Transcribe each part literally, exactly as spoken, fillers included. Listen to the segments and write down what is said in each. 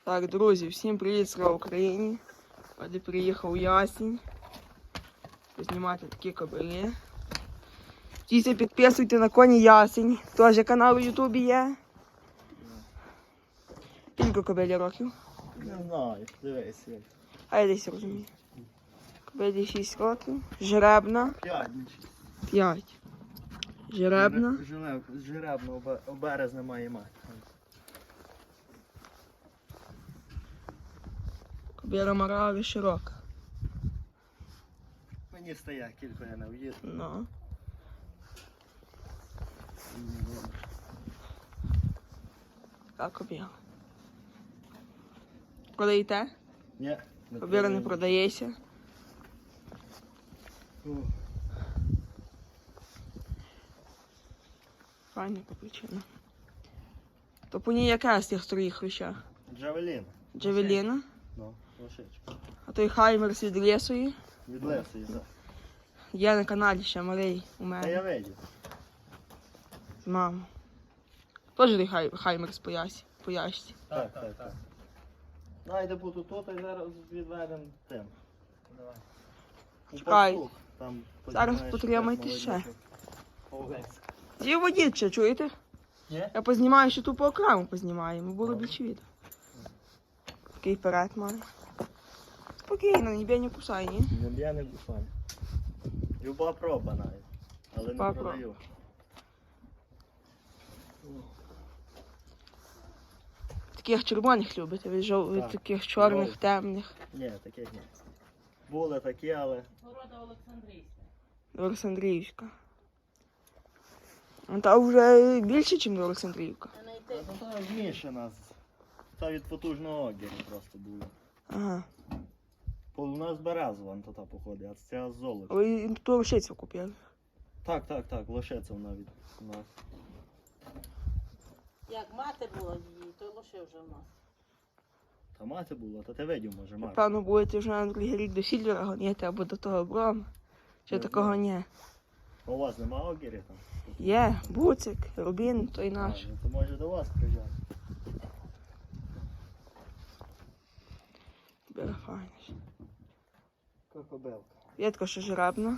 Так, друзі, всім привіт, слава Україні. Оді приїхав ясінь. Познімати такі кобили. Тіся, підписуйте на коні ясень. Теж канал у Ютубі є. Скільки кобилі років? Не знаю, дивись. як. А я десь розумію. Кобилі шість років. Жеребна. П'ять, не шість. п'ять. Жеребна. Жереб- Жеребно обе- у березня має мати. Кобила морали широка. Мені стає кілька я не в'їду. Ну. Так, кобила. Продаєте? Ні. Кобила не продається. Ух, Файна капучина. То по ній яка з тих троїх хруща? Джавелін. Джавеліна, Ну, лошичка. а той Хаймерс від лісої. Від лесу так. Є на каналі ще малий у Та я мене видів. з мамою. Теж той хай, Хаймерс по ясі, по яшці. Так, так, так. Найде буду тут і зараз відведемо тим. Давай. У Чекай. пастух, там, Зараз знаєш, потримайте як ще. молодняк. Овець. Зі водіть ще, чуєте? Ні? Я познімаю, що ту по окрему познімаємо, було більше відео. Такий перед має. Спокійно, ніби не кусай, ні? Не, я не кусаю. Люба проба навіть. Але Люба не проба. продаю. Таких червоних любите, ви жов... ви Так. таких чорних, Жовтих. темних. Ні, таких ні. Були такі, але Города Олександрійська. Олександрівська. Ну, та вже більше, ніж Олександрівка. А знайти ну, та змішана. з- Та від потужного огіру просто було. Ага. По- У нас березова то та походить, а це золото. Ви ту рушицю купили. Так, так, так, лошиця вона від у нас. як мати була її, то лише вже в нас. Та мати була, та ти видів, може, мати. Певно, будете вже на другий рік до Сільвера гоняти або до того Брома. Чи Не такого знаю. ні? У вас нема огірів там? Є, Буцик, Рубін, той А, наш. ну, то може до вас приїжджати. Бере файніш. Кокобелка. Єдко, що жеребна.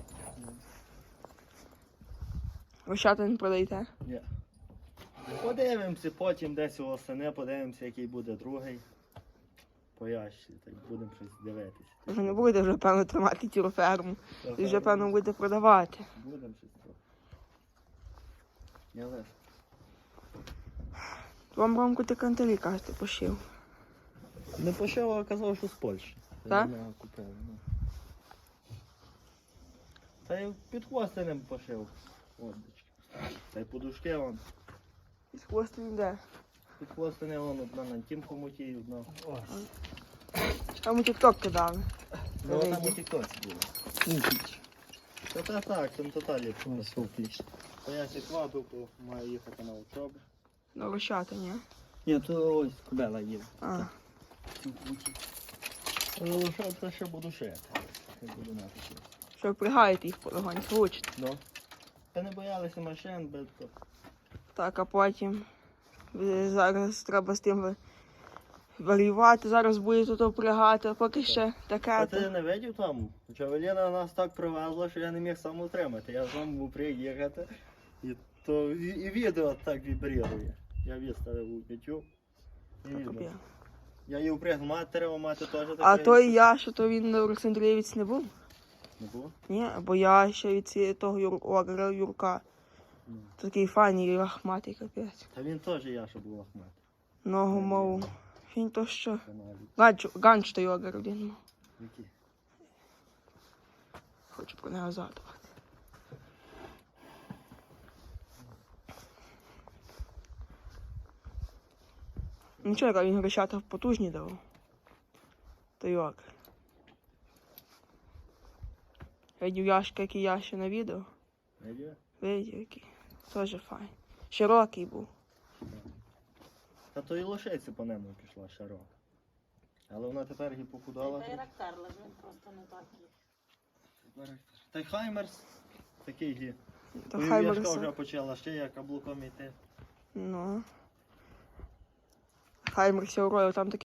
Рощата не продаєте? Ні. Подивимося, потім десь у осени, подивимося, який буде другий. Поящі, так будемо щось дивитися. Ви не будете вже, певно, тримати цю ферму. Ви вже, певно, будете продавати. Будемо щось трохи. Я лише. Вам Ромку ти кантелі, кажете, пошив. Не пошив, а казав, що з Польщі. Так? Я купив, ну. Та й під хвостинем пошив. Однички. Та й подушки вон. Із хвосту йде. Під хвостинем вон одна на тім хомуті, одна. Там у тік-ток кидали. Ну там видно. у тіктоці було. Та та так, там тоталі. Та я сікваду, маю їхати на учобу. Ну, рощата, ні? Ні, то ось кобела їде. А, Ну, що це ще буду шити. Ще буду мати щось. що ви пригаєте їх полегонь, хочете. Ну. Та не боялися машин, без то. Так, а потім ви зараз треба з тим ви- варювати, зараз будете то впрягати, а поки ще таке. А ти то- не видів там? Джавеліна нас так привезла, що я не міг сам утримати. Я сам був приїхати. І, то, і, і відео так вібрірує. Я виставив у YouTube. І Так, відео. об'яв. Я її впрягну, мати треба, мати теж таке. А той я, що то він Олександрієвець не був? Не було? Ні, бо я ще від ці- того Юр... Огра Юрка. Ну. Такий файний лахматий капець. Та він теж я, що був Ахмед. Ногу мов. Він то що? Каналі. Ганч, ганч той Огр один мав. Які? Хочу про нього згадувати. Нічого, яка він грищата потужні давав. Той Огр. Видів Яшка, який я ще на відео. Видів? Видів, який. Теж файн. Широкий був. Та то і лошиці по ньому пішла широка. Але вона тепер її похудала. Та й рактар, але він просто не такий. Та й Хаймерс такий гі. То Ой, хай Яшка Марса. вже почала ще як каблуком йти. Ну. Хаймер Сілрою, там таке